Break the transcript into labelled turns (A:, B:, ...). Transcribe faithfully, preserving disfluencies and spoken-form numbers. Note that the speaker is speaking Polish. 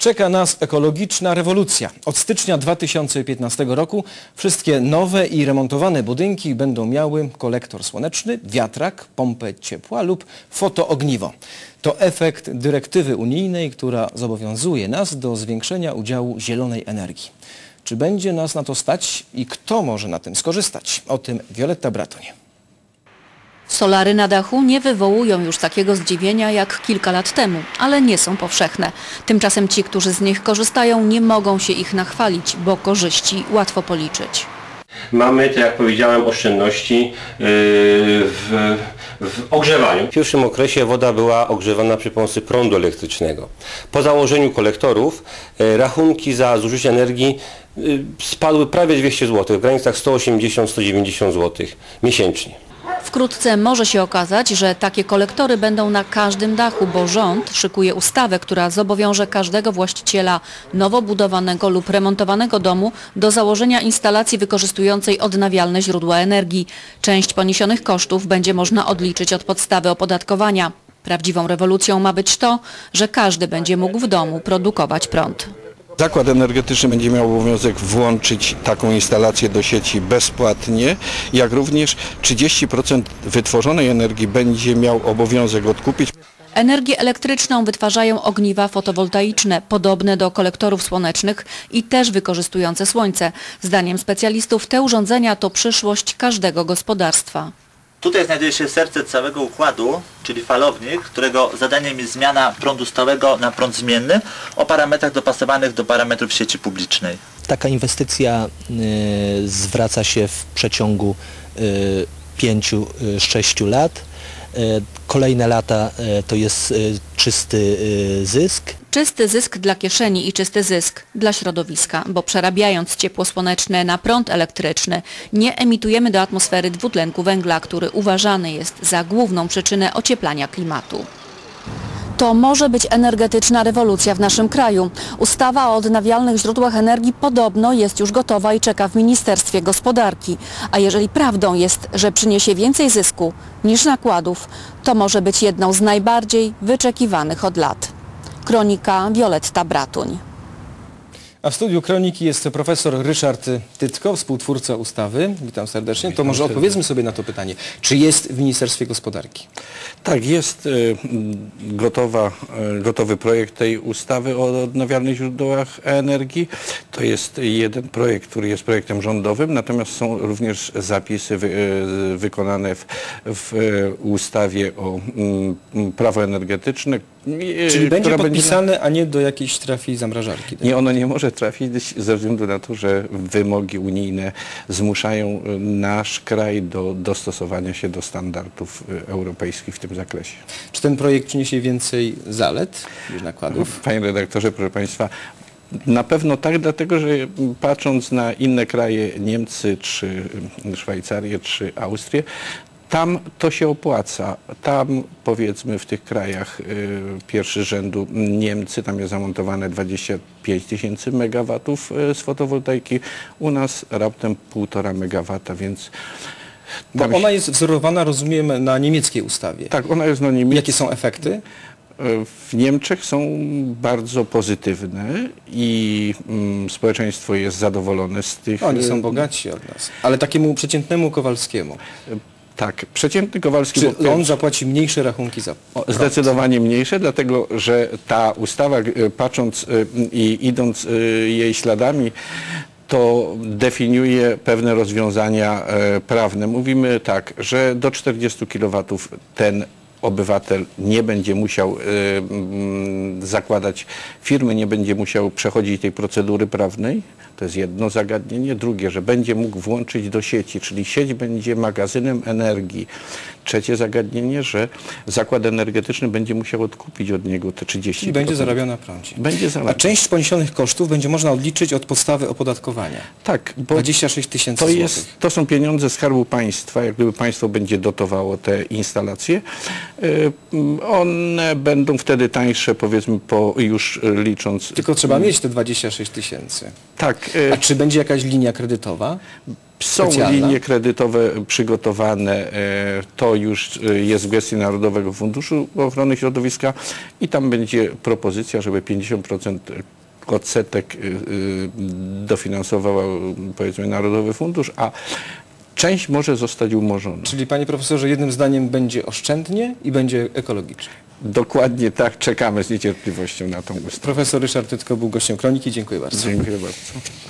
A: Czeka nas ekologiczna rewolucja. Od stycznia dwa tysiące piętnastego roku wszystkie nowe i remontowane budynki będą miały kolektor słoneczny, wiatrak, pompę ciepła lub fotoogniwo. To efekt dyrektywy unijnej, która zobowiązuje nas do zwiększenia udziału zielonej energii. Czy będzie nas na to stać i kto może na tym skorzystać? O tym Wioletta Bratoń.
B: Solary na dachu nie wywołują już takiego zdziwienia jak kilka lat temu, ale nie są powszechne. Tymczasem ci, którzy z nich korzystają, nie mogą się ich nachwalić, bo korzyści łatwo policzyć.
C: Mamy, tak jak powiedziałem, oszczędności w, w ogrzewaniu. W pierwszym okresie woda była ogrzewana przy pomocy prądu elektrycznego. Po założeniu kolektorów rachunki za zużycie energii spadły prawie dwieście złotych, w granicach sto osiemdziesiąt do stu dziewięćdziesięciu złotych miesięcznie.
B: Wkrótce może się okazać, że takie kolektory będą na każdym dachu, bo rząd szykuje ustawę, która zobowiąże każdego właściciela nowo budowanego lub remontowanego domu do założenia instalacji wykorzystującej odnawialne źródła energii. Część poniesionych kosztów będzie można odliczyć od podstawy opodatkowania. Prawdziwą rewolucją ma być to, że każdy będzie mógł w domu produkować prąd.
D: Zakład energetyczny będzie miał obowiązek włączyć taką instalację do sieci bezpłatnie, jak również trzydzieści procent wytworzonej energii będzie miał obowiązek odkupić.
B: Energię elektryczną wytwarzają ogniwa fotowoltaiczne, podobne do kolektorów słonecznych i też wykorzystujące słońce. Zdaniem specjalistów te urządzenia to przyszłość każdego gospodarstwa.
E: Tutaj znajduje się serce całego układu, czyli falownik, którego zadaniem jest zmiana prądu stałego na prąd zmienny o parametrach dopasowanych do parametrów sieci publicznej.
F: Taka inwestycja y, zwraca się w przeciągu y, pięciu sześciu lat. Y, kolejne lata y, to jest y, czysty y, zysk.
B: Czysty zysk dla kieszeni i czysty zysk dla środowiska, bo przerabiając ciepło słoneczne na prąd elektryczny nie emitujemy do atmosfery dwutlenku węgla, który uważany jest za główną przyczynę ocieplania klimatu. To może być energetyczna rewolucja w naszym kraju. Ustawa o odnawialnych źródłach energii podobno jest już gotowa i czeka w Ministerstwie Gospodarki. A jeżeli prawdą jest, że przyniesie więcej zysku niż nakładów, to może być jedną z najbardziej wyczekiwanych od lat. Kronika Wioletta Bratoń.
A: A w studiu Kroniki jest profesor Ryszard Tytko, współtwórca ustawy. Witam serdecznie.
D: Witam
A: to może
D: serdecznie.
A: odpowiedzmy sobie na to pytanie. Czy jest w Ministerstwie Gospodarki?
D: Tak, jest y, gotowa, y, gotowy projekt tej ustawy o odnawialnych źródłach energii. To jest jeden projekt, który jest projektem rządowym, natomiast są również zapisy wy, y, wykonane w, w y, ustawie o y, prawo energetyczne. Y,
A: Czyli będzie
D: która
A: podpisane,
D: będzie...
A: a nie do jakiejś trafi zamrażarki? Tak?
D: Nie, ono nie może trafić ze względu na to, że wymogi unijne zmuszają nasz kraj do dostosowania się do standardów europejskich w tym zakresie.
A: Czy ten projekt przyniesie więcej zalet niż nakładów?
D: Panie redaktorze, proszę Państwa, na pewno tak, dlatego że patrząc na inne kraje, Niemcy, czy Szwajcarię, czy Austrię, tam to się opłaca. Tam powiedzmy w tych krajach y, pierwszy rzędu Niemcy, tam jest zamontowane dwadzieścia pięć tysięcy megawatów y, z fotowoltaiki, u nas raptem półtora megawata, więc...
A: Bo ona jest wzorowana, rozumiem, na niemieckiej ustawie.
D: Tak, ona jest na niemieckiej.
A: Jakie są efekty?
D: W Niemczech są bardzo pozytywne i mm, społeczeństwo jest zadowolone z tych...
A: Oni są bogatsi od nas. Ale takiemu przeciętnemu Kowalskiemu.
D: Tak, przeciętny Kowalski...
A: Czy on zapłaci mniejsze rachunki za prąd?
D: Zdecydowanie mniejsze, dlatego że ta ustawa, patrząc i idąc jej śladami, to definiuje pewne rozwiązania prawne. Mówimy tak, że do czterdziestu kilowatów ten obywatel nie będzie musiał y, y, zakładać firmy, nie będzie musiał przechodzić tej procedury prawnej. To jest jedno zagadnienie. Drugie, że będzie mógł włączyć do sieci, czyli sieć będzie magazynem energii. Trzecie zagadnienie, że zakład energetyczny będzie musiał odkupić od niego te trzydzieści procent.
A: Czyli będzie zarabiał na prądzie.
D: Będzie zarabiał.
A: A część poniesionych kosztów będzie można odliczyć od podstawy opodatkowania.
D: Tak, bo
A: dwadzieścia sześć tysięcy
D: to,
A: złotych.
D: jest, to są pieniądze Skarbu Państwa, jak gdyby państwo będzie dotowało te instalacje. One będą wtedy tańsze, powiedzmy, po już licząc...
A: Tylko trzeba mieć te dwadzieścia sześć tysięcy.
D: Tak.
A: A czy będzie jakaś linia kredytowa?
D: Są
A: Specjalna?
D: linie kredytowe przygotowane, to już jest w gestii Narodowego Funduszu Ochrony Środowiska i tam będzie propozycja, żeby pięćdziesiąt procent odsetek dofinansował, powiedzmy, Narodowy Fundusz, a część może zostać umorzona.
A: Czyli panie profesorze, jednym zdaniem będzie oszczędnie i będzie ekologicznie.
D: Dokładnie tak, czekamy z niecierpliwością na tą ustawę.
A: Profesor Ryszard Tytko był gościem Kroniki. Dziękuję bardzo.
D: Dziękuję bardzo.